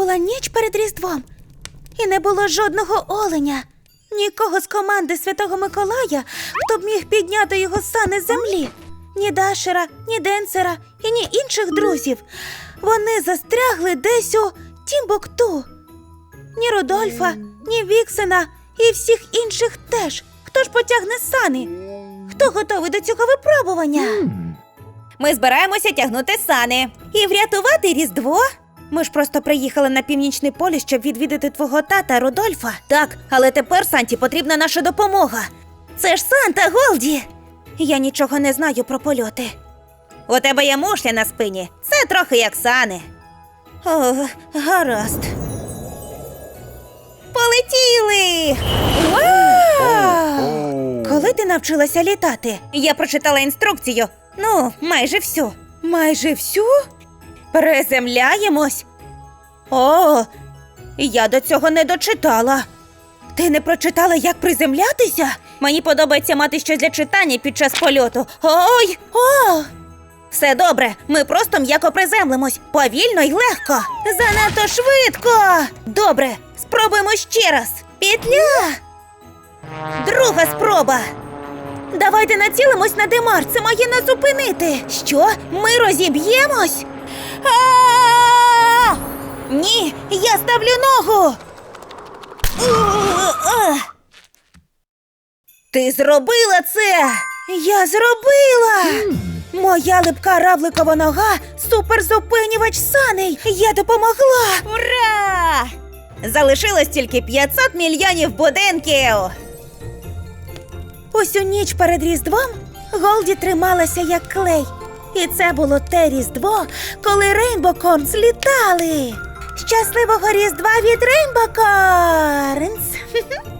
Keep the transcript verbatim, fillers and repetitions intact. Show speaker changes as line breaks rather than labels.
була ніч перед Різдвом, і не було жодного оленя, нікого з команди Святого Миколая, хто б міг підняти його сани з землі. Ні Дашера, ні Денсера і ні інших друзів. Вони застрягли десь у Тімбукту. Ні Рудольфа, ні Віксена і всіх інших теж. Хто ж потягне сани? Хто готовий до цього випробування? Ми збираємося тягнути сани і врятувати Різдво. Ми ж просто приїхали на Північний полюс, щоб відвідати твого тата Рудольфа. Так, але тепер Санті потрібна наша допомога. Це ж Санта, Голді! Я нічого не знаю про польоти. У тебе є мушля на спині. Це трохи як сани. О, гаразд. Полетіли! Вау! Коли ти навчилася літати? Я прочитала інструкцію. Ну, майже всю. Майже всю? Приземляємось? О, я до цього не дочитала. Ти не прочитала, як приземлятися? Мені подобається мати щось для читання під час польоту. Ой, о! Все добре, ми просто м'яко приземлимось. Повільно й легко. Занадто швидко. Добре, спробуємо ще раз. Петля. Друга спроба. Давайте націлимось на Демар, це має нас зупинити. Що? Ми розіб'ємось? А-а-а! Ні, я ставлю ногу. Ти зробила це! Я зробила! Моя липка равликова нога – суперзупинювач саней! Я допомогла! Ура! Залишилось тільки п'ятсот мільйонів будинків! Усю ніч перед Різдвом Голді трималася як клей. І це було те Різдво, коли Рейнбокорнс літали! Щасливого Різдва від Рейнбокорнс!